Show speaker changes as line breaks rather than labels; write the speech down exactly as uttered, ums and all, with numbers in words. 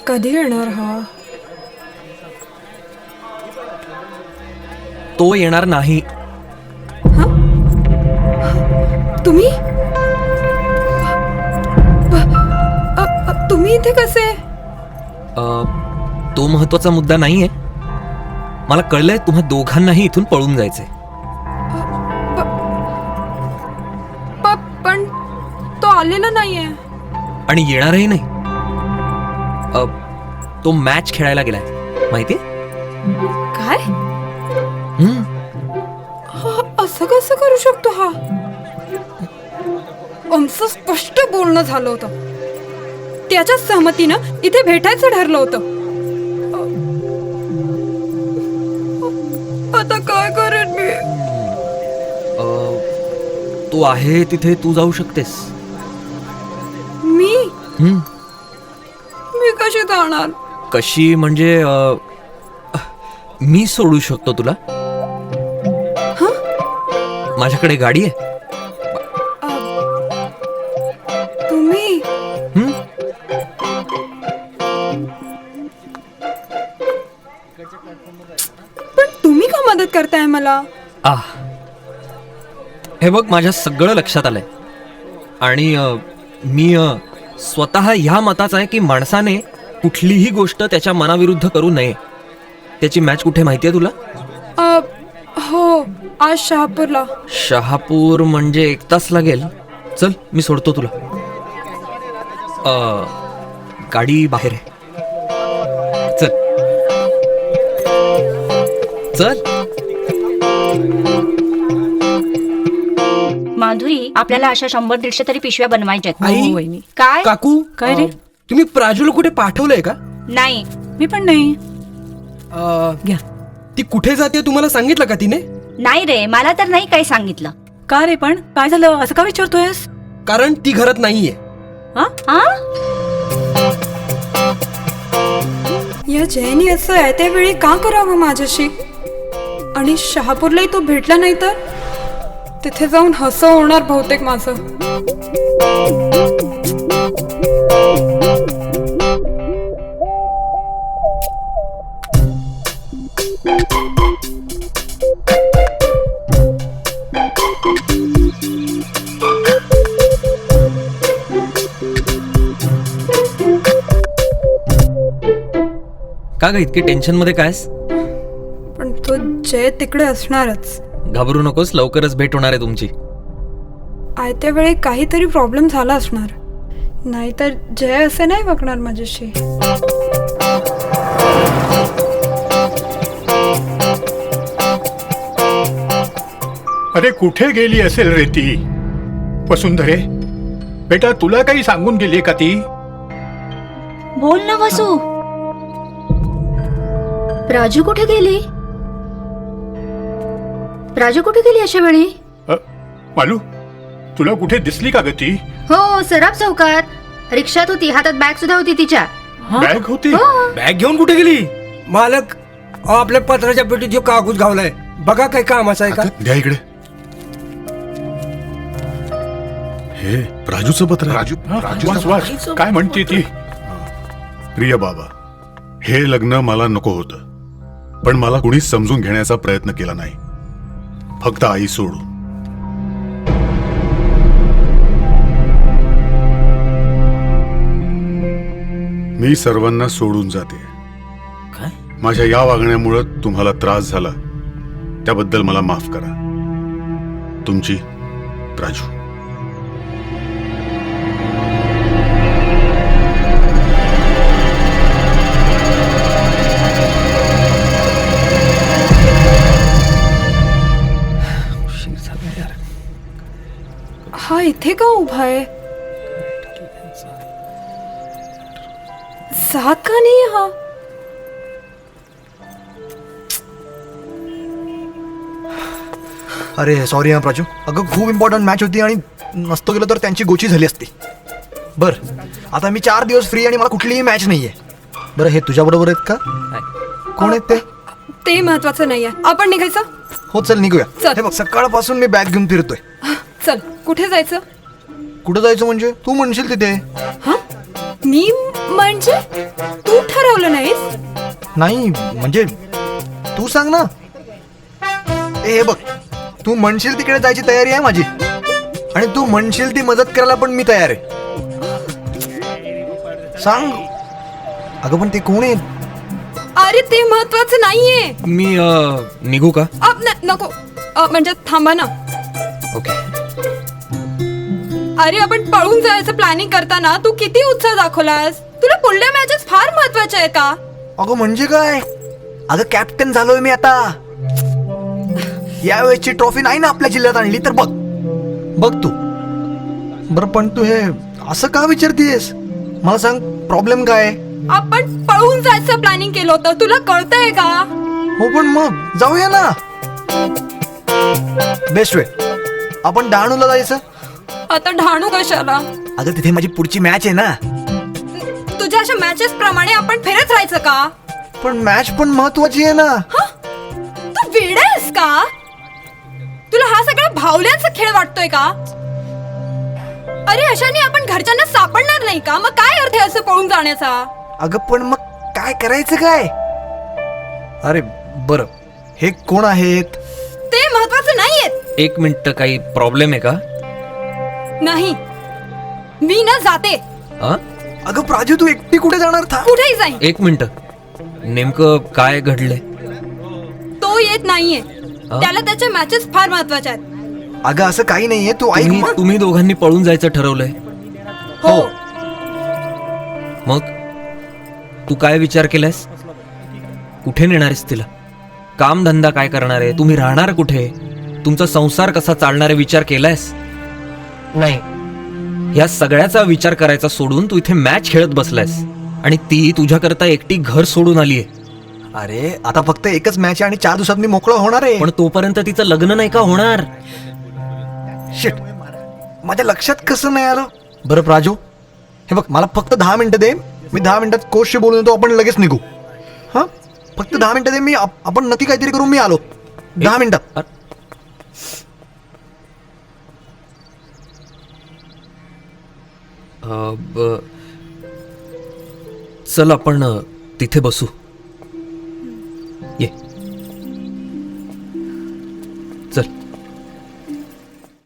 कधी येणार हा?
तो येणार नाही.
तुम्ही अ, अ, तुम्ही इथे कसे?
अ, तो महत्वाचा मुद्दा नाहीये. मला कळलंय तुम्हा दोघांनाही इथून पळून जायचंय.
प- पण तो आलेला नाहीये.
आणि येणारही नाही. अ, तो मॅच खेळायला गेलाय माहिती.
काय? हा, असं कसं करू शकतो हा? आमचं स्पष्ट बोलणं झालं होतं. त्याच्या सहमतीनं इथे भेटायचं ठरलं होतं. आता काय करेन मी?
तो आहे तिथे तू जाऊ शकतेस.
मी
हम्म.
मी कशी जाणार?
कशी म्हणजे अ, मी सोडू शकतो तुला. माझ्याकडे गाडी आहे.
तुम्ही
हम्म.
पण तुम्ही का मदत करताय मला?
आ हे बघ, माझ्या सगळं लक्षात आलंय. आणि अ, मी अ, स्वतः ह्या मताचा आहे की माणसाने कुठलीही गोष्ट त्याच्या मनाविरुद्ध करू नये. त्याची मॅच कुठे माहितीये तुला?
अ, हो, आज शहापूरला.
शहापूर म्हणजे एक तास लागेल. चल मी सोडतो तुला. अ, गाडी बाहेर आहे. चल चल.
माधुरी, आपल्याला अशा शंभर दीडशे तरी पिशव्या बनवायच्या
आई?
आहेत. वहिनी. काय?
काकू
काय रे?
अ, तुम्ही प्राजूला कुठे पाठवलंय का?
नाही.
मी पण नाही.
अ,
घ्या.
ती कुठे जाते तुम्हाला सांगितलं का तिने?
नाही रे, मला तर नाही काही सांगितलं.
का रे? पण काय झालं असं का विचारतोयस?
कारण ती घरात नाहीये.
हा?
हा?
या जयनी असं आहे त्यावेळी का करावं माझ्याशी? आणि शहापूरलाही तो भेटला नाही तर तिथे जाऊन हसं होणार बहुतेक माझं.
का ग इतकी टेन्शन मध्ये कायस?
पण तो जय तिकडे असणारच.
घाबरू नकोस, लवकरच भेट होणार आहे तुमची.
आयत्या वेळी काहीतरी प्रॉब्लेम झाला असणार, नाहीतर जय असे नाही वागणार माझ्याशी.
अरे कुठे गेली असेल रे ती? वसुंधरे बेटा, तुला काही सांगून गेली का ती?
बोल ना वसू.
राजू कुठे गेली? राजू कुठे गेली अशा वेळी?
अ, मालू, तुला कुठे दिसली का ग ती?
हो, सराफ चौकात रिक्षात होती. हातात बॅग सुद्धा होती तिच्या.
बॅग होती?
बॅग घेऊन कुठे गेली? मालक, अहो, आपल्या पत्राच्या पेटीत जो कागद घावलाय बघा, काय कामाचा आहे का?
द्या इकडे. हे राजूचं पत्र.
राजू वाच वाच, काय म्हणते ती?
प्रिय बाबा, हे लग्न मला नको होतं, पण मला कुणीच समजून घेण्याचा प्रयत्न केला नाही, फक्त आई सोडून. मी सर्वांना सोडून जाते.
काय?
माझ्या या वागण्यामुळे तुम्हाला त्रास झाला त्याबद्दल मला माफ करा. तुमची राजू.
हा इथे का उभा आहे? जात का नाही हा?
अरे सॉरी हा प्राजू, अगं खूप इम्पॉर्टंट मॅच होती आणि नसतो गेलो तर त्यांची गोची झाली असती. बरं, आता मी चार दिवस फ्री आणि मला कुठलीही मॅच नाहीये. बरं, हे तुझ्या बरोबर आहेत का? कोण आहेत ते?
ते महत्वाचं नाहीये. आपण निघायचं?
हो चल निघूया.
चल.
हे बघ, सकाळपासून मी बॅग घेऊन फिरतोय.
चल, कुठे जायचं?
कुठं जायचं म्हणजे? तू म्हणशील तिथे.
हा? मी म्हणजे तू ठरवलं नाहीस?
नाही म्हणजे तू सांग ना. ए हे बघ, तू म्हणशील तिकडे जायची तयारी आहे माझी, आणि तू म्हणशील ती मदत करायला पण मी तयार आहे. सांग. अगं पण ते कोण आहे?
अरे ते महत्वाचं नाहीये.
मी अ, निघू का?
अ, न- नको अ, म्हणजे थांबा ना.
ओके.
अरे आपण पळून जायचं प्लॅनिंग करताना तू किती उत्साह दाखवलास. तुला पुढल्या मॅचेस फार महत्वाच्या आहे का?
अगं म्हणजे काय? अगं कॅप्टन झालोय मी आता. यावेळेसची ट्रॉफी नाही ना आपल्या जिल्ह्यात आणली तर बघ बघ तू. बरं पण तू हे असं का विचारतीयस? मला सांग प्रॉब्लेम काय आहे?
आपण पळून जायचं प्लॅनिंग केलं होतं, तुला कळतंय का?
हो पण मग जाऊया ना. Best way. आपण डहाणूला जायचं.
आता ढाणू कशाला?
अगं तिथे माझी पुढची मॅच आहे ना.
तुझ्या अशा मॅचेस प्रमाणे आपण फिरत राहायचं का?
पण मॅच पण महत्वाची आहे ना.
तू वेडा आहेस का? तुला हा सगळा भावल्यांचा खेळ वाटतोय का? अरे अशाने आपण घरच्यांना सापडणार नाही का? मग काय अर्थ आहे असं पळून जाण्याचा?
अगं पण मग काय करायचं काय? अरे बरं, हे कोण आहेत?
ते महत्वाचं नाहीये.
एक मिनिट, काही प्रॉब्लेम आहे का?
नाही, मी ना जाते.
अ?
अगं प्राजू तू एकटी कुठे जाणार था?
कुठेही जाईन.
एक मिनिट, नेमकं काय घडलंय?
तो येत नाहीये. त्याला त्याच्या मॅचेस फार महत्वाच्या आहेत.
अगं असं काही नाहीये, तू ऐक
तुम्ही
मग.
तुम्ही दोघांनी पळून जायचं ठरवलंय?
हो.
मग तू काय विचार केलायस? कुठे नेणार आहेस तिला? काम धंदा काय करणार आहे? तुम्ही राहणार कुठे? तुमचा संसार कसा चालणार आहे विचार केलायस? नाही. या सगळ्याचा विचार करायचा सोडून तू इथे मॅच खेळत बसलायस, आणि ती तुझ्याकरता एकटी घर सोडून आलीये.
अरे आता फक्त एकच मॅच आहे आणि चार दिवसात मी मोकळं होणार आहे.
पण तोपर्यंत तिचं लग्न नाही का होणार?
शिट, माझ्या लक्षात कसं नाही आलं. बरं प्राजू, हे बघ मला फक्त दहा मिनिटं दे. मी दहा मिनिटात कोचशी बोलून येतो, आपण लगेच निघू. हा फक्त दहा मिनिटं दे. मी आप- आपण नक्की काहीतरी करू. मी आलो दहा मिनिटात.
अ, ब- चल आपण अ, तिथे बसू.